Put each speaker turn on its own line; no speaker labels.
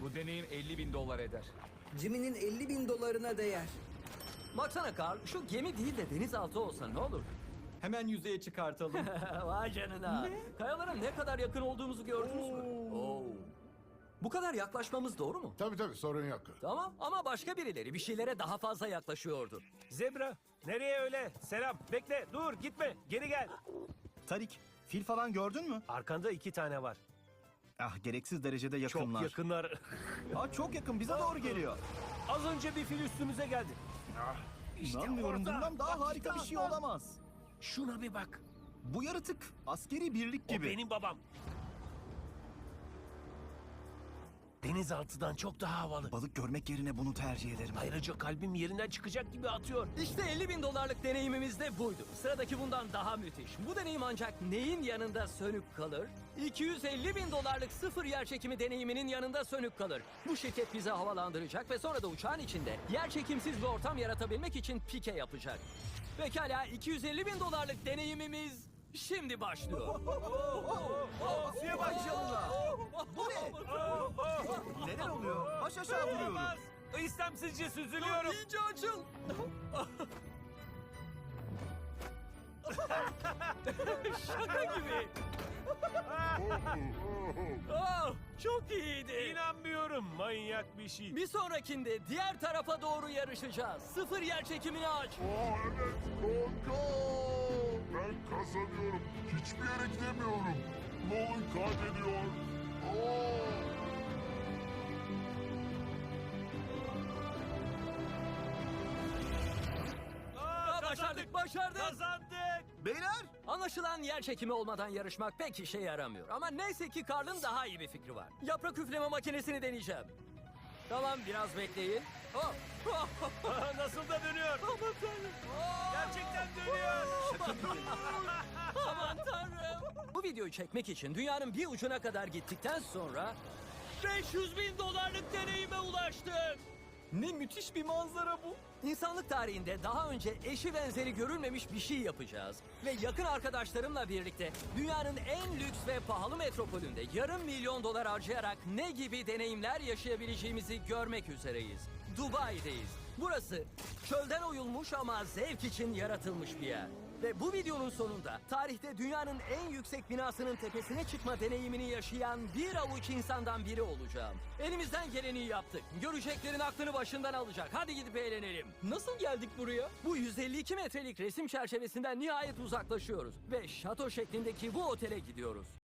Bu deneyim 50.000 dolar eder.
Jimmy'nin 50.000 dolarına değer.
Baksana Carl, şu gemi değil de denizaltı olsa ne olur?
Hemen yüzeye çıkartalım.
Vay canına. Kayalara ne kadar yakın olduğumuzu gördünüz mü? Oo. Bu kadar yaklaşmamız doğru mu?
Tabii sorun yok.
Tamam ama başka birileri bir şeylere daha fazla yaklaşıyordu.
Zebra, nereye öyle? Selam, bekle, dur, gitme, geri gel.
Tarik, fil falan gördün mü?
Arkanda 2 tane var.
Ah, gereksiz derecede
Çok
yakınlar.
yakınlar.
Aa, çok yakın, bize doğru geliyor.
Az önce bir fil üstümüze geldi.
İnanmıyorum,
orada.
bundan daha
Bak
harika bir
işte
şey
orada.
olamaz.
Şuna bir bak.
Bu yaratık askeri birlik
O
gibi.
benim babam. Denizaltıdan çok daha havalı.
Balık görmek yerine bunu tercih ederim.
Ayrıca kalbim yerinden çıkacak gibi atıyor.
İşte 50.000 dolarlık deneyimimiz de buydu. Sıradaki bundan daha müthiş. Bu deneyim ancak neyin yanında sönük kalır? 250.000 dolarlık sıfır yer çekimi deneyiminin yanında sönük kalır. Bu şirket bizi havalandıracak ve sonra da uçağın içinde yer çekimsiz bir ortam yaratabilmek için pike yapacak. Pekala 250.000 dolarlık deneyimimiz şimdi başlıyor.
Suya bak canına.
Bu ne? Neler oluyor? Baş aşağı vuruyorum.
İstemsizce süzülüyorum.
İyice açıl. Şaka gibi. Oh, çok iyiydi.
İnanmıyorum, manyak bir şey.
Bir sonrakinde diğer tarafa doğru yarışacağız. Sıfır yer çekimini aç.
Evet kanka. Ben kazanıyorum. Hiçbir yere gidemiyorum. Nolan kaybediyor.
Başardık.
Kazandık.
Beyler!
Anlaşılan yer çekimi olmadan yarışmak pek işe yaramıyor. Ama neyse ki Karl'ın daha iyi bir fikri var. Yaprak üfleme makinesini deneyeceğim. Tamam biraz bekleyin. Oh.
Nasıl da dönüyor.
Aman tanrım.
Gerçekten dönüyor.
Aman tanrım. Bu videoyu çekmek için dünyanın bir ucuna kadar gittikten sonra 500.000 dolarlık deneyime ulaştık.
Ne müthiş bir manzara bu.
İnsanlık tarihinde daha önce eşi benzeri görülmemiş bir şey yapacağız. Ve yakın arkadaşlarımla birlikte dünyanın en lüks ve pahalı metropolünde yarım milyon dolar harcayarak ne gibi deneyimler yaşayabileceğimizi görmek üzereyiz. Dubai'deyiz. Burası çölden oyulmuş ama zevk için yaratılmış bir yer. Ve bu videonun sonunda tarihte dünyanın en yüksek binasının tepesine çıkma deneyimini yaşayan bir avuç insandan biri olacağım. Elimizden geleni yaptık. Göreceklerin aklını başından alacak. Hadi gidip eğlenelim.
Nasıl geldik buraya?
Bu 152 metrelik resim çerçevesinden nihayet uzaklaşıyoruz. Ve şato şeklindeki bu otele gidiyoruz.